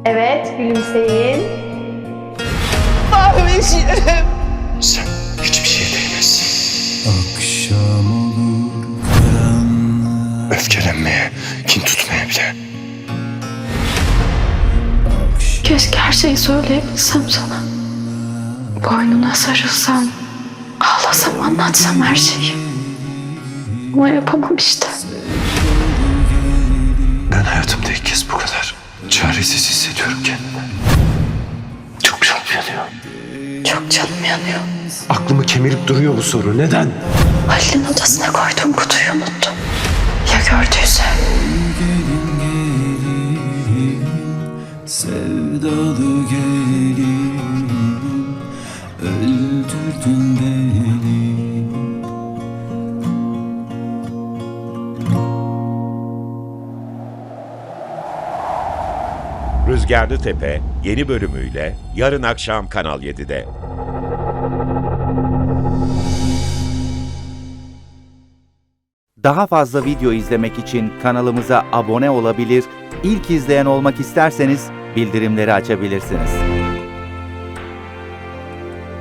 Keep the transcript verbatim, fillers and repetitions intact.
Evet, gülümseyin. Mahveşim. Sen hiçbir şeye değmezsin. Akşam olur karanlık. Öfkelenmeye, kin tutmaya bile. Keşke her şeyi söyleyebilsem sana. Boynuna sarılsam, ağlasam, anlatsam her şeyi. Ama yapamam işte. Ben hayatımda ilk kez bu kadar çaresiz hissediyorum kendimi. Çok canım yanıyor. Çok canım yanıyor. Aklımı kemirip duruyor bu soru. Neden? Halil'in odasına koyduğum kutuyu unuttum. Ya gördüyse? Sevdalı gelin, öldürdün beni. Rüzgarlı Tepe yeni bölümüyle yarın akşam Kanal yedide. Daha fazla video izlemek için kanalımıza abone olabilir, ilk izleyen olmak isterseniz bildirimleri açabilirsiniz.